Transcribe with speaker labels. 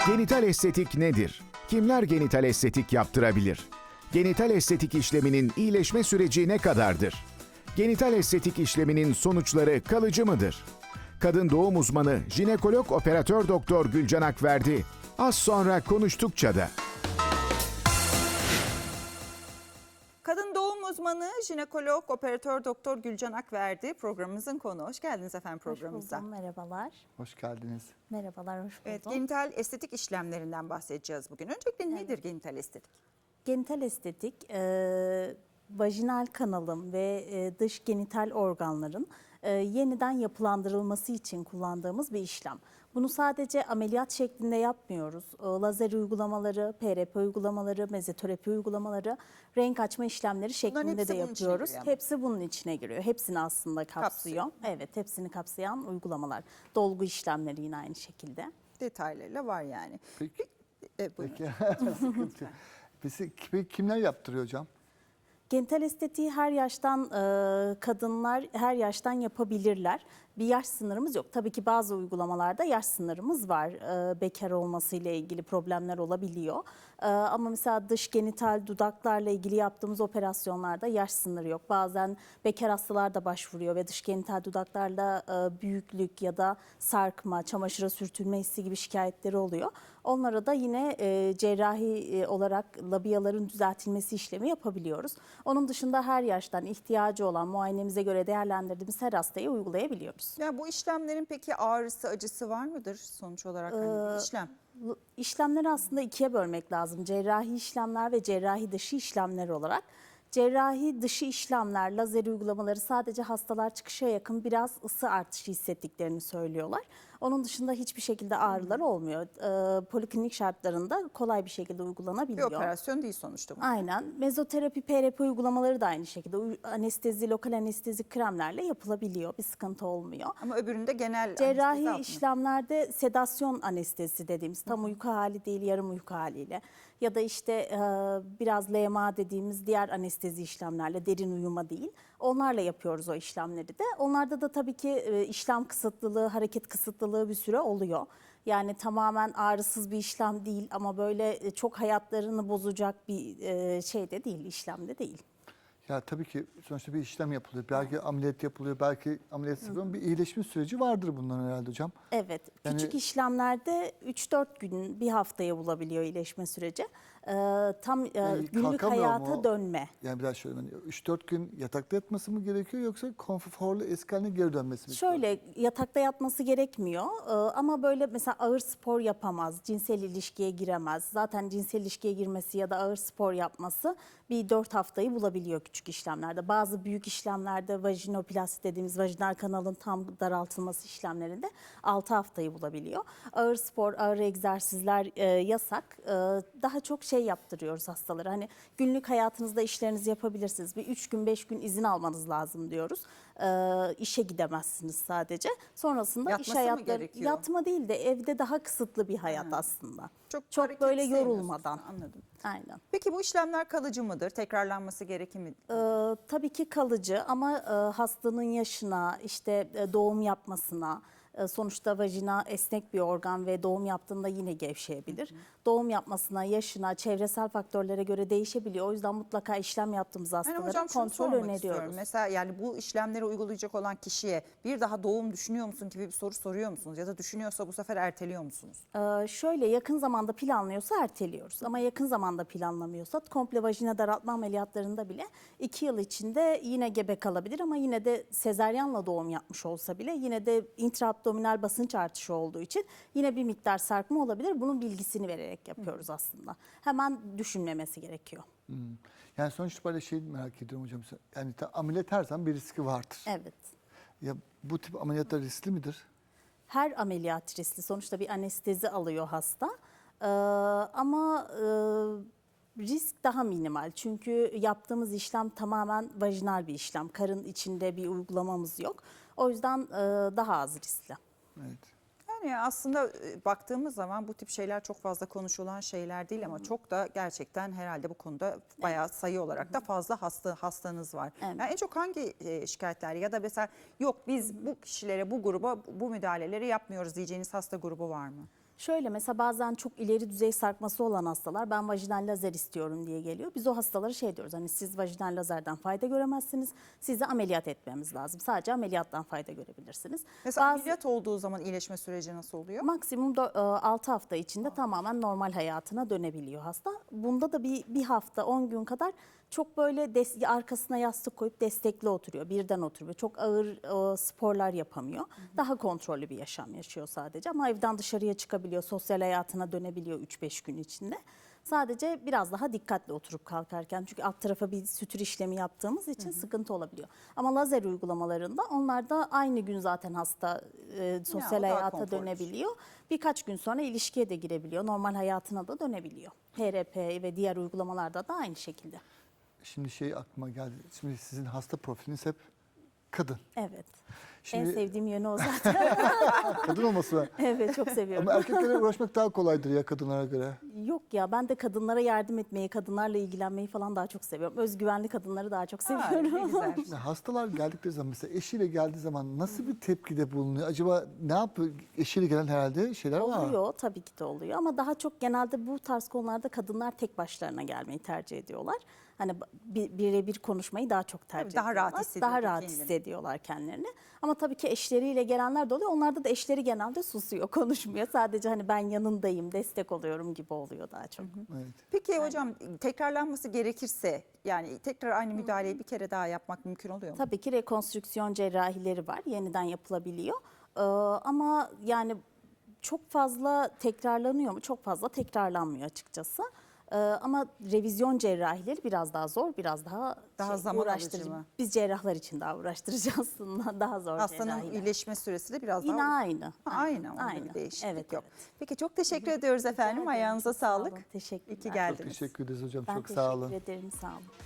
Speaker 1: Genital estetik nedir? Kimler genital estetik yaptırabilir? Genital estetik işleminin iyileşme süreci ne kadardır? Genital estetik işleminin sonuçları kalıcı mıdır? Kadın doğum uzmanı jinekolog operatör doktor Gülcan Akverdi az sonra konuştukça da.
Speaker 2: Kadın doğum uzmanı, jinekolog, operatör doktor Gülcan Akverdi programımızın konu. Hoş geldiniz efendim programımıza.
Speaker 3: Hoş buldum, merhabalar.
Speaker 4: Hoş geldiniz.
Speaker 3: Merhabalar, hoş buldum.
Speaker 2: Evet, genital estetik işlemlerinden bahsedeceğiz bugün. Öncelikle nedir genital estetik?
Speaker 3: Genital estetik, vajinal kanalın ve dış genital organların yeniden yapılandırılması için kullandığımız bir işlem. Bunu sadece ameliyat şeklinde yapmıyoruz. Lazer uygulamaları, PRP uygulamaları, mezoterapi uygulamaları, renk açma işlemleri şeklinde de yapıyoruz. Hepsi bunun içine giriyor. Hepsini aslında kapsıyor. Evet, hepsini kapsayan uygulamalar. Dolgu işlemleri yine aynı şekilde.
Speaker 2: Detaylarıyla var yani.
Speaker 4: Peki.
Speaker 2: Buyurun.
Speaker 4: Peki kimler yaptırıyor hocam?
Speaker 3: Genital estetiği her yaştan kadınlar her yaştan yapabilirler. Bir yaş sınırımız yok. Tabii ki bazı uygulamalarda yaş sınırımız var. Bekar olması ile ilgili problemler olabiliyor. Ama mesela dış genital dudaklarla ilgili yaptığımız operasyonlarda yaş sınırı yok. Bazen bekar hastalar da başvuruyor ve dış genital dudaklarla büyüklük ya da sarkma, çamaşıra sürtünme hissi gibi şikayetleri oluyor. Onlara da yine cerrahi olarak labiyaların düzeltilmesi işlemi yapabiliyoruz. Onun dışında her yaştan ihtiyacı olan muayenemize göre değerlendirdiğimiz her hastaya uygulayabiliyoruz.
Speaker 2: Ya bu işlemlerin peki ağrısı, acısı var mıdır sonuç olarak hani bir işlem?
Speaker 3: İşlemleri aslında ikiye bölmek lazım. Cerrahi işlemler ve cerrahi dışı işlemler olarak. Cerrahi dışı işlemler, lazer uygulamaları sadece hastalar çıkışa yakın biraz ısı artışı hissettiklerini söylüyorlar. Onun dışında hiçbir şekilde ağrılar olmuyor. Poliklinik şartlarında kolay bir şekilde uygulanabiliyor.
Speaker 2: Bir operasyon değil sonuçta bu.
Speaker 3: Aynen. Mezoterapi, PRP uygulamaları da aynı şekilde anestezi, lokal anestezi kremlerle yapılabiliyor. Bir sıkıntı olmuyor.
Speaker 2: Ama öbüründe genel
Speaker 3: Cerrahi işlemlerde sedasyon anestezi dediğimiz tam uyku hali değil yarım uyku haliyle ya da işte biraz LMA dediğimiz diğer anestezi işlemlerle derin uyuma değil onlarla yapıyoruz o işlemleri de. Onlarda da tabii ki işlem kısıtlılığı, hareket kısıtlılığı bir süre oluyor. Yani tamamen ağrısız bir işlem değil ama böyle çok hayatlarını bozacak bir şey de değil, işlem de değil.
Speaker 4: Ya tabii ki sonuçta bir işlem yapılıyor. Belki ameliyat yapılıyor, belki ameliyat yapılıyor. Bir iyileşme süreci vardır bunların herhalde hocam.
Speaker 3: Evet, küçük işlemlerde 3-4 gün, bir haftaya bulabiliyor iyileşme süreci. Tam günlük hayata dönme.
Speaker 4: Yani biraz şöyle 3-4 gün yatakta yatması mı gerekiyor yoksa konforlu eski haline geri dönmesi mi?
Speaker 3: Şöyle yatakta yatması gerekmiyor ama böyle mesela ağır spor yapamaz, cinsel ilişkiye giremez. Zaten cinsel ilişkiye girmesi ya da ağır spor yapması bir 4 haftayı bulabiliyor küçük işlemlerde. Bazı büyük işlemlerde vajinoplasti dediğimiz vajinal kanalın tam daraltılması işlemlerinde 6 haftayı bulabiliyor. Ağır spor, ağır egzersizler yasak. Daha çok şey yaptırıyoruz hastalara. Hani günlük hayatınızda işlerinizi yapabilirsiniz. Bir 3 gün 5 gün izin almanız lazım diyoruz. İşe gidemezsiniz sadece. Sonrasında
Speaker 2: Yatması
Speaker 3: iş
Speaker 2: mı
Speaker 3: hayatları
Speaker 2: gerekiyor?
Speaker 3: Yatma değil de evde daha kısıtlı bir hayat aslında.
Speaker 2: Çok
Speaker 3: böyle
Speaker 2: hareket
Speaker 3: yorulmadan.
Speaker 2: sevmiyorsunuz. Anladım.
Speaker 3: Aynen.
Speaker 2: Peki bu işlemler kalıcı mıdır? Tekrarlanması gerekir mi?
Speaker 3: Tabii ki kalıcı ama hastanın yaşına, işte doğum yapmasına, sonuçta vajina esnek bir organ ve doğum yaptığında yine gevşeyebilir. Doğum yapmasına, yaşına, çevresel faktörlere göre değişebiliyor. O yüzden mutlaka işlem yaptığımız hastalara
Speaker 2: Hocam şunu
Speaker 3: kontrol
Speaker 2: sormak
Speaker 3: öneriyoruz.
Speaker 2: istiyorum. Mesela yani bu işlemleri uygulayacak olan kişiye bir daha doğum düşünüyor musun gibi bir soru soruyor musunuz? Ya da düşünüyorsa bu sefer erteliyor musunuz?
Speaker 3: Şöyle yakın zamanda planlıyorsa erteliyoruz ama yakın zamanda planlamıyorsa komple vajina daraltma ameliyatlarında bile 2 yıl içinde yine gebe kalabilir ama yine de sezaryenle doğum yapmış olsa bile yine de intraabdominal basınç artışı olduğu için yine bir miktar sarkma olabilir. Bunun bilgisini vererek yapıyoruz aslında. Hemen düşünmemesi gerekiyor.
Speaker 4: Yani sonuçta böyle şey merak ediyorum hocam. Yani ameliyat her zaman bir riski vardır.
Speaker 3: Evet.
Speaker 4: Ya bu tip ameliyatlar riskli midir?
Speaker 3: Her ameliyat riskli. Sonuçta bir anestezi alıyor hasta. Ama risk daha minimal. Çünkü yaptığımız işlem tamamen vajinal bir işlem. Karın içinde bir uygulamamız yok. O yüzden daha az riskli.
Speaker 4: Evet.
Speaker 2: Yani aslında baktığımız zaman bu tip şeyler çok fazla konuşulan şeyler değil ama çok da gerçekten herhalde bu konuda bayağı sayı olarak da fazla hastanız var.
Speaker 3: Evet.
Speaker 2: Yani en çok hangi şikayetler ya da mesela yok biz bu kişilere bu gruba bu müdahaleleri yapmıyoruz diyeceğiniz hasta grubu var mı?
Speaker 3: Şöyle mesela bazen çok ileri düzey sarkması olan hastalar ben vajinal lazer istiyorum diye geliyor. Biz o hastalara şey diyoruz, hani siz vajinal lazerden fayda göremezsiniz. Sizi ameliyat etmemiz lazım. Sadece ameliyattan fayda görebilirsiniz.
Speaker 2: Mesela
Speaker 3: Bazı-
Speaker 2: ameliyat olduğu zaman iyileşme süreci nasıl oluyor?
Speaker 3: Maksimum 6 hafta içinde tamamen normal hayatına dönebiliyor hasta. Bunda da bir hafta 10 gün kadar çok böyle arkasına yastık koyup destekli oturuyor. Birden oturuyor. Çok ağır sporlar yapamıyor. Daha kontrollü bir yaşam yaşıyor sadece. Ama evden dışarıya çıkabiliyor. Sosyal hayatına dönebiliyor 3-5 gün içinde. Sadece biraz daha dikkatli oturup kalkarken. Çünkü alt tarafa bir sütür işlemi yaptığımız için sıkıntı olabiliyor. Ama lazer uygulamalarında onlar da aynı gün zaten hasta sosyal
Speaker 2: o daha
Speaker 3: hayata
Speaker 2: konforlu.
Speaker 3: dönebiliyor. Birkaç gün sonra ilişkiye de girebiliyor. Normal hayatına da dönebiliyor. HRP ve diğer uygulamalarda da aynı şekilde.
Speaker 4: Şimdi şey aklıma geldi. Şimdi sizin hasta profiliniz hep kadın.
Speaker 3: Evet.
Speaker 4: Şimdi
Speaker 3: En sevdiğim yönü o zaten.
Speaker 4: kadın olması var.
Speaker 3: Evet, çok seviyorum.
Speaker 4: Ama erkeklere uğraşmak daha kolaydır ya kadınlara göre.
Speaker 3: Yok ya, ben de kadınlara yardım etmeyi, kadınlarla ilgilenmeyi falan daha çok seviyorum. Özgüvenli kadınları daha çok
Speaker 2: Ha,
Speaker 3: seviyorum.
Speaker 2: ne güzel.
Speaker 4: Şimdi hastalar geldikleri zaman mesela eşiyle geldiği zaman nasıl bir tepkide bulunuyor? Acaba ne yapıyor? Eşiyle gelen herhalde şeyler var.
Speaker 3: Oluyor, tabii ki de oluyor ama daha çok genelde bu tarz konularda kadınlar tek başlarına gelmeyi tercih ediyorlar. Hani birebir konuşmayı daha çok tercih
Speaker 2: Tabii daha rahat
Speaker 3: ediyorlar.
Speaker 2: hissediyor
Speaker 3: Daha rahat
Speaker 2: kendini.
Speaker 3: hissediyorlar kendilerini. Ama tabii ki eşleriyle gelenler de oluyor. Onlarda da eşleri genelde susuyor, konuşmuyor. Sadece hani ben yanındayım, destek oluyorum gibi oluyor daha çok.
Speaker 4: Evet.
Speaker 2: Peki hocam, tekrarlanması gerekirse yani tekrar aynı müdahaleyi bir kere daha yapmak mümkün oluyor mu?
Speaker 3: Tabii ki rekonstrüksiyon cerrahileri var. Yeniden yapılabiliyor. Ama yani çok fazla tekrarlanıyor mu? Çok fazla tekrarlanmıyor açıkçası. Ama revizyon cerrahileri biraz daha zor, biraz daha
Speaker 2: zaman alıcı
Speaker 3: uğraştırıcı.
Speaker 2: mı?
Speaker 3: Biz cerrahlar için daha uğraştırıcı aslında. Daha zor
Speaker 2: Hastanın
Speaker 3: cerrahiler.
Speaker 2: iyileşme süresi de biraz
Speaker 3: Yine
Speaker 2: daha
Speaker 3: aynı.
Speaker 2: aynı ama
Speaker 3: Aynı.
Speaker 2: bir değişiklik
Speaker 3: Evet,
Speaker 2: yok.
Speaker 3: evet.
Speaker 2: Peki çok teşekkür ediyoruz efendim.
Speaker 3: ederim,
Speaker 2: Ayağınıza
Speaker 3: çok sağ olun.
Speaker 2: sağlık.
Speaker 3: Teşekkürler.
Speaker 2: İyi ki
Speaker 3: Çok
Speaker 2: geldiniz.
Speaker 4: Teşekkür ederiz hocam.
Speaker 3: Ben
Speaker 4: Çok sağ olun.
Speaker 3: teşekkür ederim. Sağ olun.